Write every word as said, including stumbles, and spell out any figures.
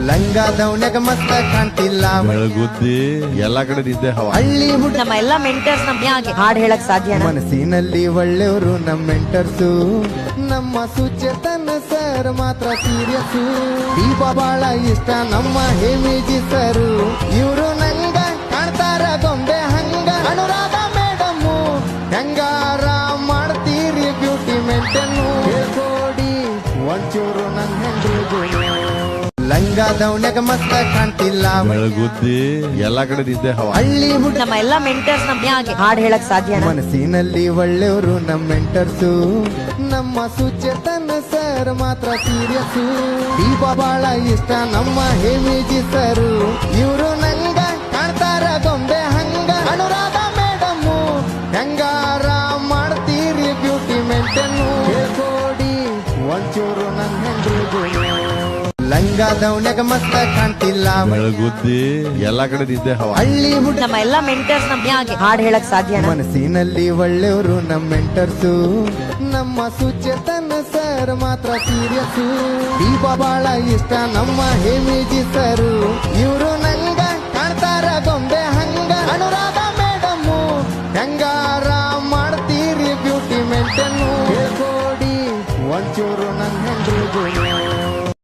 ಲಂಗ ದೌನ್ಯಾಗ ಮಸ್ತ ಕಾಣ್ತಿಲ್ಲ ಬೆಳಗುದ್ದಿ ಎಲ್ಲಾ ಕಡೆ ನಿದ್ದೆ ಹವಾ. ಹಳ್ಳಿ ಹುಡುಗ ನಮ್ಮ ಎಲ್ಲಾ ಮೆಂಟರ್ಸ್ ನಮ್ಗೆ ಹಾಗೆ ಹಾಡ್ ಹೇಳಕ್ ಸಾಧ್ಯ ಮನಸ್ಸಿನಲ್ಲಿ ಒಳ್ಳೆಯವರು ನಮ್ಮ ಮೆಂಟರ್ಸು, ನಮ್ಮ ಸುಚೇತನ ಸರ್ ಮಾತ್ರ ಸೀರಿಯಸ್ಸು. ದೀಪ ಬಾಳ ಇಷ್ಟ ನಮ್ಮ ಹೇಮಿಜಿ ಸರು, ಇವರು ನಂಗ ಕಾಣ್ತಾರ ಗೊಂಬೆ ಹಂಗ. ಅನುರಾಧ ಮೇಡಮ್ಮು ಹೆಂಗಾರ ಮಾಡ್ತೀರಿ ಬ್ಯೂಟಿ ಮೇಂಟೆನ್ನು, ಹೇಳ್ಕೊಡಿ ಒಂಚೂರು ನನ್ ಹೆಂಡ್ರಿಗೂ. ಲಂಗ ದೌನ್ಯಾಗ ಮಸ್ತ ಕಾಣ್ತಿಲ್ಲ ಬೆಳಗುದ್ದಿ ಎಲ್ಲಾ ಕಡೆ ನಿದ್ದೆ ಹವಾ. ಹಳ್ಳಿ ಹುಡುಗ ನಮ್ಮ ಎಲ್ಲಾ ಮೆಂಟರ್ಸ್ ನಮ್ಗೆ ಹಾಗೆ ಹಾಡ್ ಹೇಳಕ್ ಸಾಧ್ಯ ಮನಸ್ಸಿನಲ್ಲಿ ಒಳ್ಳೆಯವರು ನಮ್ಮ ಮೆಂಟರ್ಸು, ನಮ್ಮ ಸುಚೇತನ ಸರ್ ಮಾತ್ರ ಸೀರಿಯಸ್ಸು. ದೀಪ ಬಾಳ ಇಷ್ಟ ನಮ್ಮ ಹೇಮಿಜಿ ಸರು, ಇವರು ನಂಗ ಕಾಣ್ತಾರ ಗೊಂಬೆ ಹಂಗ. ಅನುರಾಧ ಮೇಡಮ್ಮು ಹೆಂಗಾರ ಮಾಡ್ತೀರಿ ಬ್ಯೂಟಿ ಮೇಂಟೆನ್ನು, ಹೇಳ್ಕೊಡಿ ಒಂಚೂರು ನನ್ ಹೆಂಡ್ರಿಗೂ. ಲಂಗ ದೌನ್ಯಾಗ ಮಸ್ತ ಕಾಣ್ತಿಲ್ಲ ಬೆಳಗುದ್ದಿ ಎಲ್ಲಾ ಕಡೆ ನಿದ್ದೆ ಹವಾ. ಹಳ್ಳಿ ಹುಡುಗ ನಮ್ಮ ಎಲ್ಲಾ ಮೆಂಟರ್ಸ್ ನಮ್ಗೆ ಹಾಗೆ ಹಾಡ್ ಹೇಳಕ್ ಸಾಧ್ಯ ಮನಸ್ಸಿನಲ್ಲಿ ಒಳ್ಳೆಯವರು ನಮ್ಮ ಮೆಂಟರ್ಸು, ನಮ್ಮ ಸುಚೇತನ ಸರ್ ಮಾತ್ರ ಸೀರಿಯಸ್ಸು. ದೀಪ ಬಾಳ ಇಷ್ಟ ನಮ್ಮ ಹೇಮಿಜಿ ಸರು, ಇವರು ನಂಗ ಕಾಣ್ತಾರ ಗೊಂಬೆ ಹಂಗ. ಅನುರಾಧ ಮೇಡಮ್ಮು ಹೆಂಗಾರ ಮಾಡ್ತೀರಿ ಬ್ಯೂಟಿ ಮೇಂಟೆನ್ನು,